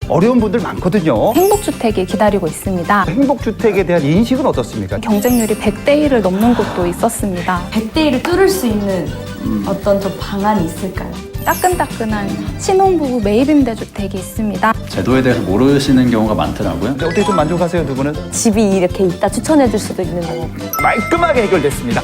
어려운 분들 많거든요. 행복주택이 기다리고 있습니다. 행복주택에 대한 인식은 어떻습니까? 경쟁률이 100대 1을 넘는 곳도 있었습니다. 100대 1을 뚫을 수 있는 어떤 좀 방안이 있을까요? 따끈따끈한 신혼부부 매입임대주택이 있습니다. 제도에 대해서 모르시는 경우가 많더라고요. 근데 어떻게 좀 만족하세요, 두 분은? 집이 이렇게 있다 추천해 줄 수도 있는 거고. 깔끔하게 해결됐습니다.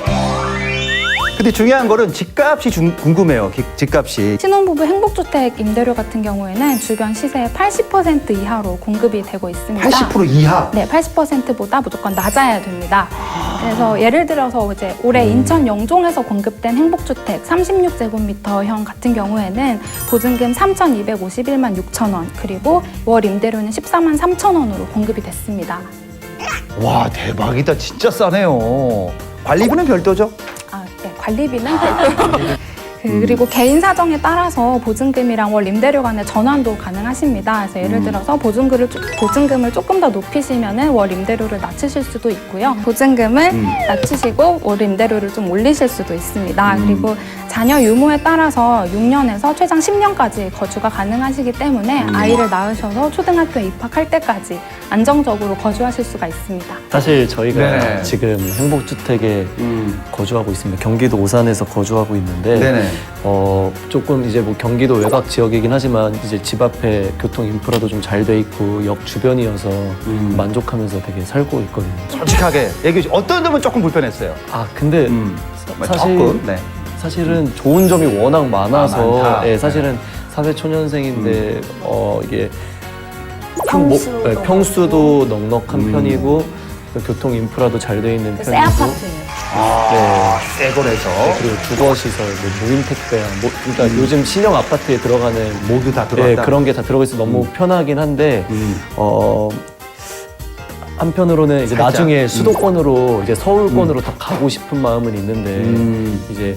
근데 중요한 거는 집값이 궁금해요. 집값이. 신혼부부 행복주택 임대료 같은 경우에는 주변 시세의 80% 이하로 공급이 되고 있습니다. 80% 이하. 네, 80%보다 무조건 낮아야 됩니다. 그래서 예를 들어서 이제 올해 인천 영종에서 공급된 행복주택 36제곱미터형 같은 경우에는 보증금 3,251만 6천 원, 그리고 월 임대료는 14만 3천 원으로 공급이 됐습니다. 와, 대박이다. 진짜 싸네요. 관리비는 별도죠? 네, 관리비는 그리고 개인 사정에 따라서 보증금이랑 월 임대료 간의 전환도 가능하십니다. 그래서 예를 들어서 보증금을 조금 더 높이시면은 월 임대료를 낮추실 수도 있고요. 보증금을 낮추시고 월 임대료를 좀 올리실 수도 있습니다. 그리고 자녀 유무에 따라서 6년에서 최장 10년까지 거주가 가능하시기 때문에 아이를 낳으셔서 초등학교에 입학할 때까지 안정적으로 거주하실 수가 있습니다. 사실 저희가 네. 지금 행복주택에 거주하고 있습니다. 경기도 오산에서 거주하고 있는데 네네. 조금 이제 뭐 경기도 외곽 지역이긴 하지만 이제 집 앞에 교통 인프라도 좀 잘 돼 있고 역 주변이어서 만족하면서 되게 살고 있거든요. 솔직하게 얘기해 주세요. 어떤 점은 조금 불편했어요? 근데 사실 조금, 네. 사실은 좋은 점이 워낙 많아서 많다. 예, 사실은 사회 초년생인데 이게 평수도 평수도 넉넉한 편이고 교통 인프라도 잘 돼 있는 새 편이고 아파트예요. 새 거래서. 그리고 주거시설, 무인 택배, 그러니까 요즘 신형 아파트에 들어가는 모두 다 들어간다. 그런 게 다 들어가 있어 너무 편하긴 한데 한편으로는 이제 살짝. 나중에 수도권으로 이제 서울권으로 더 가고 싶은 마음은 있는데 이제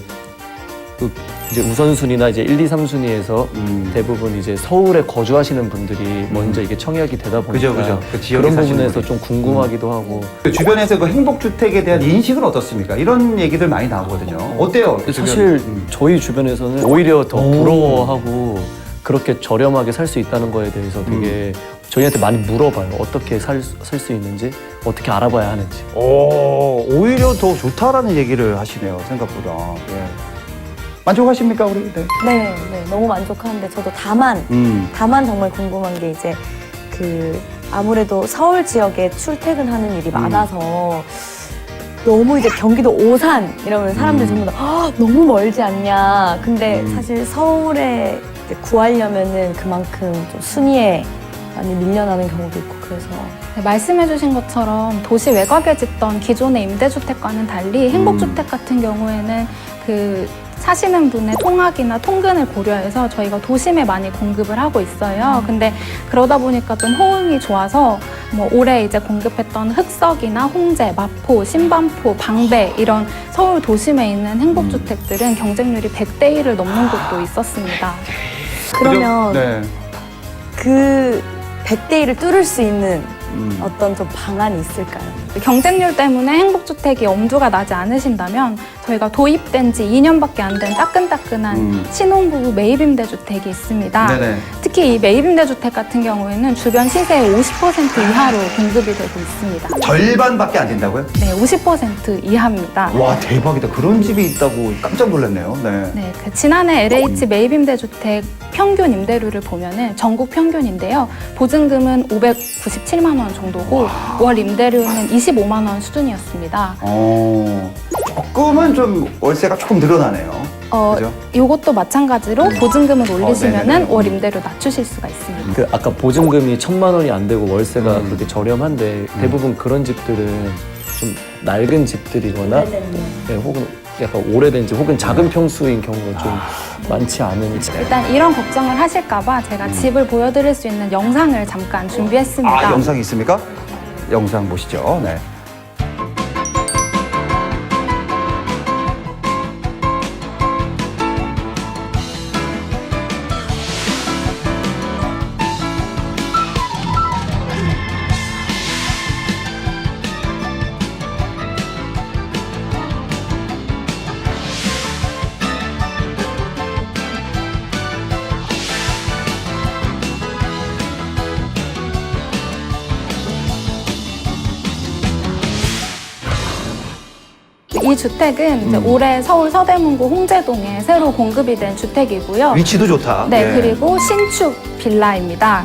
이제 우선순위나 이제 1, 2, 3순위에서 대부분 이제 서울에 거주하시는 분들이 먼저 이게 청약이 되다 보니까 그죠. 그 지역에 그런 사시는 부분에서 분이. 좀 궁금하기도 하고 그 주변에서 그 행복주택에 대한 인식은 어떻습니까? 이런 얘기들 많이 나오거든요. 어때요? 그 사실 주변? 저희 주변에서는 오히려 더 부러워하고 그렇게 저렴하게 살 수 있다는 거에 대해서 되게 저희한테 많이 물어봐요. 어떻게 살 수 있는지, 어떻게 알아봐야 하는지. 오히려 더 좋다라는 얘기를 하시네요. 생각보다. 예. 만족하십니까, 우리? 네. 네, 너무 만족하는데 저도 다만 정말 궁금한 게 이제 그 아무래도 서울 지역에 출퇴근하는 일이 많아서 너무 이제 경기도 오산 이러면 사람들이 전부 다 너무 멀지 않냐. 근데 사실 서울에 이제 구하려면은 그만큼 좀 순위에 많이 밀려나는 경우도 있고 그래서 네, 말씀해주신 것처럼 도시 외곽에 짓던 기존의 임대주택과는 달리 행복주택 같은 경우에는 그 사시는 분의 통학이나 통근을 고려해서 저희가 도심에 많이 공급을 하고 있어요. 근데 그러다 보니까 좀 호응이 좋아서 뭐 올해 이제 공급했던 흑석이나 홍제, 마포, 신반포, 방배 이런 서울 도심에 있는 행복주택들은 경쟁률이 100대 1을 넘는 곳도 있었습니다. 그러면 네. 그 100대 1을 뚫을 수 있는 어떤 좀 방안이 있을까요? 경쟁률 때문에 행복주택이 엄두가 나지 않으신다면 저희가 도입된 지 2년밖에 안 된 따끈따끈한 신혼부부 매입임대주택이 있습니다. 네네. 특히 이 매입임대주택 같은 경우에는 주변 시세의 50% 이하로 공급이 되고 있습니다. 절반밖에 안 된다고요? 네, 50% 이하입니다. 와, 대박이다. 그런 집이 있다고 깜짝 놀랐네요. 네. 네, 그 지난해 LH 매입임대주택 평균 임대료를 보면은 전국 평균인데요. 보증금은 597만 원 정도고 월 임대료는 25만 원 수준이었습니다. 조금은 좀 월세가 조금 늘어나네요. 그죠? 이것도 마찬가지로 보증금을 올리시면은 네네네. 월 임대료 낮추실 수가 있습니다. 그 아까 보증금이 1,000만 원이 안 되고 월세가 그렇게 저렴한데 대부분 그런 집들은 좀 낡은 집들이거나 네, 혹은 약간 오래된 집 혹은 작은 평수인 경우가 좀 많지 않은 집. 일단 이런 걱정을 하실까봐 제가 집을 보여드릴 수 있는 영상을 잠깐 준비했습니다. 영상이 있습니까? 영상 보시죠. 네. 이 주택은 이제 올해 서울 서대문구 홍제동에 새로 공급이 된 주택이고요. 위치도 좋다. 네, 예. 그리고 신축 빌라입니다.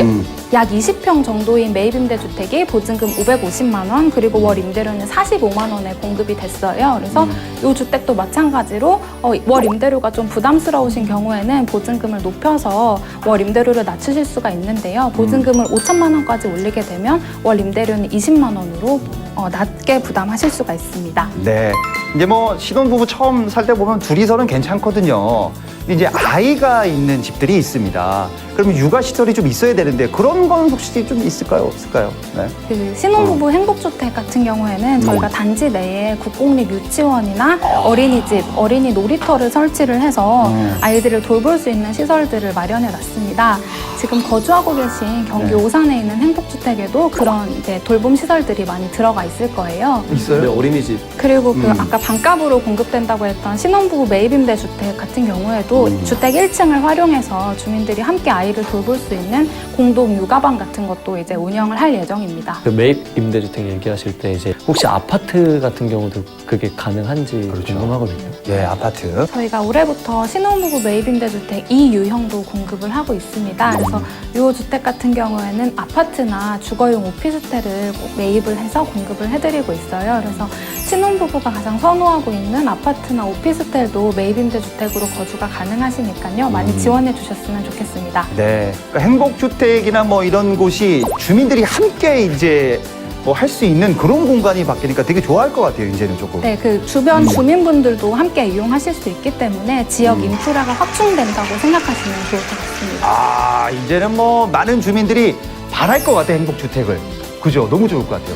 약 20평 정도인 매입 임대 주택이 보증금 550만 원, 그리고 월 임대료는 45만 원에 공급이 됐어요. 그래서 이 주택도 마찬가지로 월 임대료가 좀 부담스러우신 경우에는 보증금을 높여서 월 임대료를 낮추실 수가 있는데요. 보증금을 5천만 원까지 올리게 되면 월 임대료는 20만 원으로 낮게 부담하실 수가 있습니다. 네. 이제 뭐 신혼부부 처음 살 때 보면 둘이서는 괜찮거든요. 이제 아이가 있는 집들이 있습니다. 그러면 육아 시설이 좀 있어야 되는데 그런 건 혹시 좀 있을까요? 없을까요? 네. 그 신혼부부 행복주택 같은 경우에는 저희가 단지 내에 국공립 유치원이나 어린이집, 어린이 놀이터를 설치를 해서 아이들을 돌볼 수 있는 시설들을 마련해 놨습니다. 지금 거주하고 계신 경기 오산에 있는 행복주택에도 그런 이제 돌봄 시설들이 많이 들어가 있을 거예요. 있어요? 네, 어린이집. 그리고 그 아까 반값으로 공급된다고 했던 신혼부부 매입임대 주택 같은 경우에도 주택 1층을 활용해서 주민들이 함께 아이를 돌볼 수 있는 공동 육아방 같은 것도 이제 운영을 할 예정입니다. 그 매입 임대주택 얘기하실 때 이제 혹시 아파트 같은 경우도 그게 가능한지 궁금하거든요. 예, 아파트. 저희가 올해부터 신혼부부 매입임대주택 2유형도 공급을 하고 있습니다. 그래서 이 주택 같은 경우에는 아파트나 주거용 오피스텔을 꼭 매입을 해서 공급을 해드리고 있어요. 그래서 신혼부부가 가장 선호하고 있는 아파트나 오피스텔도 매입임대주택으로 거주가 가능하시니까요. 많이 지원해 주셨으면 좋겠습니다. 네. 그러니까 행복주택이나 뭐 이런 곳이 주민들이 함께 이제 뭐 할 수 있는 그런 공간이 바뀌니까 되게 좋아할 것 같아요, 이제는 조금. 네, 그 주변 주민분들도 함께 이용하실 수 있기 때문에 지역 인프라가 확충된다고 생각하시면 좋을 것 같습니다. 아, 이제는 뭐 많은 주민들이 바랄 것 같아요, 행복주택을. 그죠? 너무 좋을 것 같아요.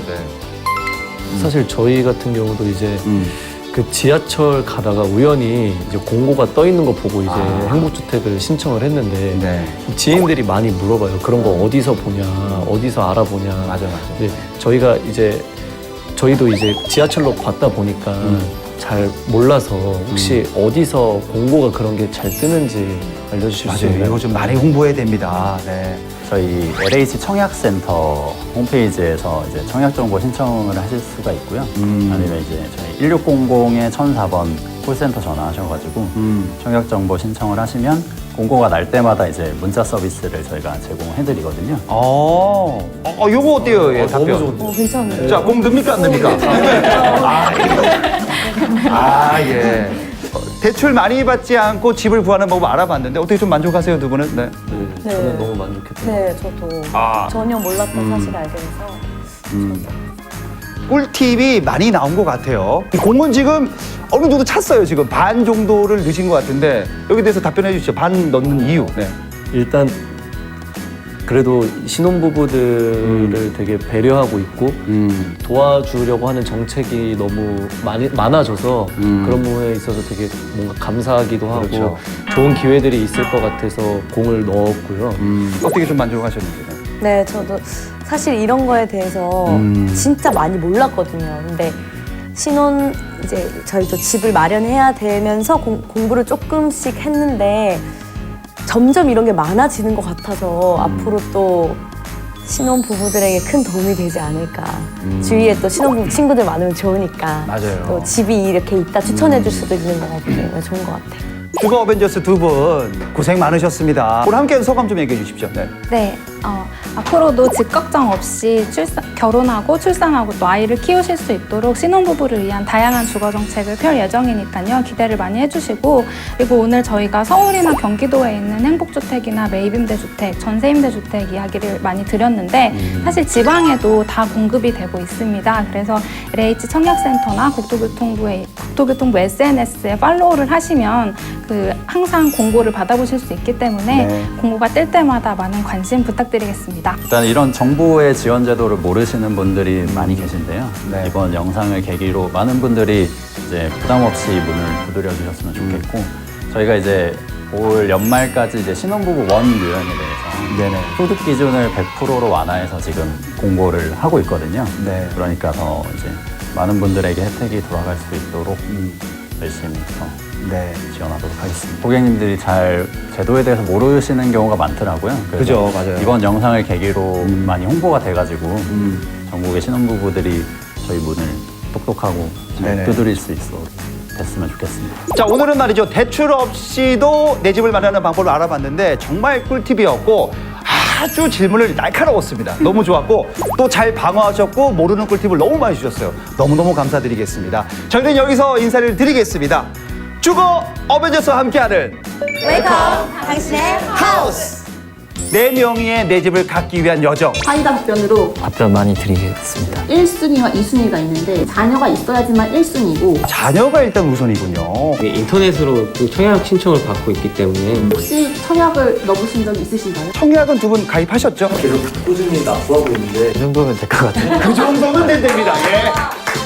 네. 사실 저희 같은 경우도 이제 그 지하철 가다가 우연히 이제 공고가 떠 있는 거 보고 이제 행복주택을 신청을 했는데 네. 지인들이 많이 물어봐요. 그런 거 어디서 보냐, 어디서 알아보냐. 맞아. 근데 저희가 이제 저희도 이제 지하철로 봤다 보니까 잘 몰라서 혹시 어디서 공고가 그런 게 잘 뜨는지 알려주실 수 맞아요. 있나요? 이거 좀 많이 홍보해야 됩니다. 네. 저희 LH 청약센터 홈페이지에서 이제 청약 정보 신청을 하실 수가 있고요. 아니면 이제 저희 1600에 1004번 콜센터 전화하셔가지고 청약 정보 신청을 하시면 공고가 날 때마다 이제 문자 서비스를 저희가 제공해드리거든요. 요거 어때요? 예, 답변. 너무 좋은데. 괜찮은데. 자, 공 듭니까, 안 듭니까? 예. 대출 많이 받지 않고 집을 구하는 방법 알아봤는데 어떻게 좀 만족하세요, 두 분은? 네. 네, 저는 너무 만족했던 것 네, 저도 전혀 몰랐던 사실을 알게 돼서. 꿀팁이 많이 나온 것 같아요. 공은 지금 어느 정도 찼어요. 지금 반 정도를 넣으신 것 같은데 여기 대해서 답변해 주시죠. 반 넣는 이유. 네. 일단 그래도 신혼부부들을 되게 배려하고 있고 도와주려고 하는 정책이 너무 많아져서 그런 부분에 있어서 되게 뭔가 감사하기도 하고 그렇죠. 좋은 기회들이 있을 것 같아서 공을 넣었고요. 어떻게 좀 만족하셨는지. 네, 저도 사실 이런 거에 대해서 진짜 많이 몰랐거든요. 근데 신혼 이제 저희도 집을 마련해야 되면서 공부를 조금씩 했는데 점점 이런 게 많아지는 것 같아서 앞으로 또 신혼 부부들에게 큰 도움이 되지 않을까. 주위에 또 신혼 부부 친구들 많으면 좋으니까. 맞아요. 또 집이 이렇게 있다 추천해 줄 수도 있는 것 같고 좋은 것 같아요. 주거 어벤져스 두 분 고생 많으셨습니다. 오늘 함께 소감 좀 얘기해 주십시오. 네. 네, 앞으로도 집 걱정 없이 결혼하고 출산하고 또 아이를 키우실 수 있도록 신혼부부를 위한 다양한 주거 정책을 펼 예정이니까요. 기대를 많이 해주시고, 그리고 오늘 저희가 서울이나 경기도에 있는 행복주택이나 매입임대주택, 전세임대주택 이야기를 많이 드렸는데 사실 지방에도 다 공급이 되고 있습니다. 그래서 LH 청약센터나 국토교통부 SNS에 팔로우를 하시면 항상 공고를 받아보실 수 있기 때문에 네. 공고가 뜰 때마다 많은 관심 부탁드리겠습니다. 일단 이런 정부의 지원 제도를 모르시는 분들이 많이 계신데요. 네. 이번 영상을 계기로 많은 분들이 이제 부담 없이 문을 두드려 주셨으면 좋겠고 저희가 이제 올 연말까지 이제 신혼부부 원 유형에 대해서 네네. 소득 기준을 100%로 완화해서 지금 공고를 하고 있거든요. 네. 그러니까 더 이제 많은 분들에게 혜택이 돌아갈 수 있도록 열심히 네. 지원하도록 하겠습니다. 고객님들이 잘 제도에 대해서 모르시는 경우가 많더라고요. 그래서 그죠, 맞아요. 이번 영상을 계기로 많이 홍보가 돼가지고 전국의 신혼부부들이 저희 문을 똑똑하고 잘 네네. 두드릴 수 있어 됐으면 좋겠습니다. 자, 오늘은 말이죠. 대출 없이도 내 집을 마련하는 방법을 알아봤는데 정말 꿀팁이었고 아주 질문을 날카로웠습니다. 너무 좋았고 또 잘 방어하셨고 모르는 꿀팁을 너무 많이 주셨어요. 너무너무 감사드리겠습니다. 저희는 여기서 인사를 드리겠습니다. 주거 어벤져스와 함께하는 웨이크업 당신의 하우스! 내 명의의 내 집을 갖기 위한 여정. 사이다 답변으로 답변 많이 드리겠습니다. 1순위와 2순위가 있는데 자녀가 있어야지만 1순위고 자녀가 일단 우선이군요. 인터넷으로 그 청약 신청을 받고 있기 때문에 혹시 청약을 넣으신 적 있으신가요? 청약은 두 분 가입하셨죠? 꾸준히 납부하고 있는데 이 정도면 될 것 같아요. 그 정도는 된답니다. 예.